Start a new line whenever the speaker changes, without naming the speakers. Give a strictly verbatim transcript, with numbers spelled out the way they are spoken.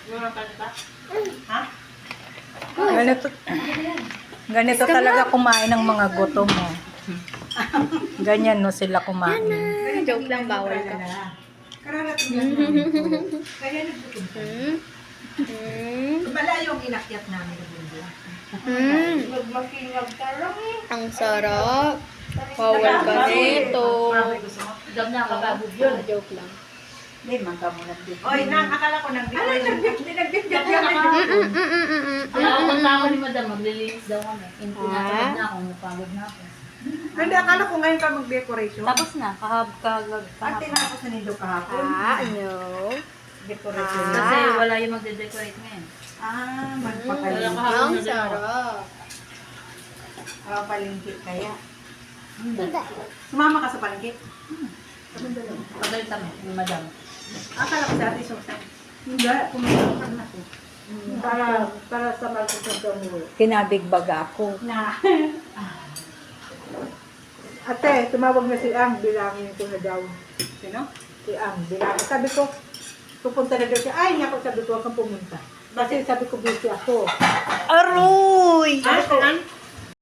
Ha?
Ganito, ganito talaga kumain ng mga gutom mo. Ganyan no sila kumain.
Joke lang, bawal ka.
Kararating lang namin. Kaya nagbutom ka.
Hmm? Hmm?
Malayo yung inakyat namin ng mundo.
Hmm?
Magmakingag ka lang eh.
Ang sarap. Bawal ka nito.
Dam na kababog yun.
Ah, joke lang.
Hindi, mangka mo lang dito.
Oy, nang akala ko nang Ano nagbibigay nagbibigay
Mm, mm, mm, mm, mm, mm,
Nakapunta
mm.
ako ni madam, maglilinis daw kami. Hindi
Ah?
na ako, napagod na ako.
Hindi, akala ko ngayon ka mag-decoration.
Tapos na, kahab kahab
At
kahapon.
tinapos na nito kahapon.
Ah, no.
Decoration.
Ah.
Kasi wala yung magde-decorate ngayon.
Ah,
Wala
magpapalingkit.
ka.
Ang sarap.
Ah, palingkit kaya. Sumama ka sa palingkit?
Pagalit kami ni madam.
Akala ko sa ate Susan. Hindi, kumain na ako.
Para, para sa magkakasya mo. Kinabigbaga ako.
Na.
Ate, tumawag na si Ang, bilangin ko na daw.
Sino?
Si Ang, bilangin. Sabi ko, pupunta na daw siya. Ay, niya ako sabi ko, huwag kang pumunta. Kasi sabi ko, busy ako.
Aroy!
Ah, si Ang?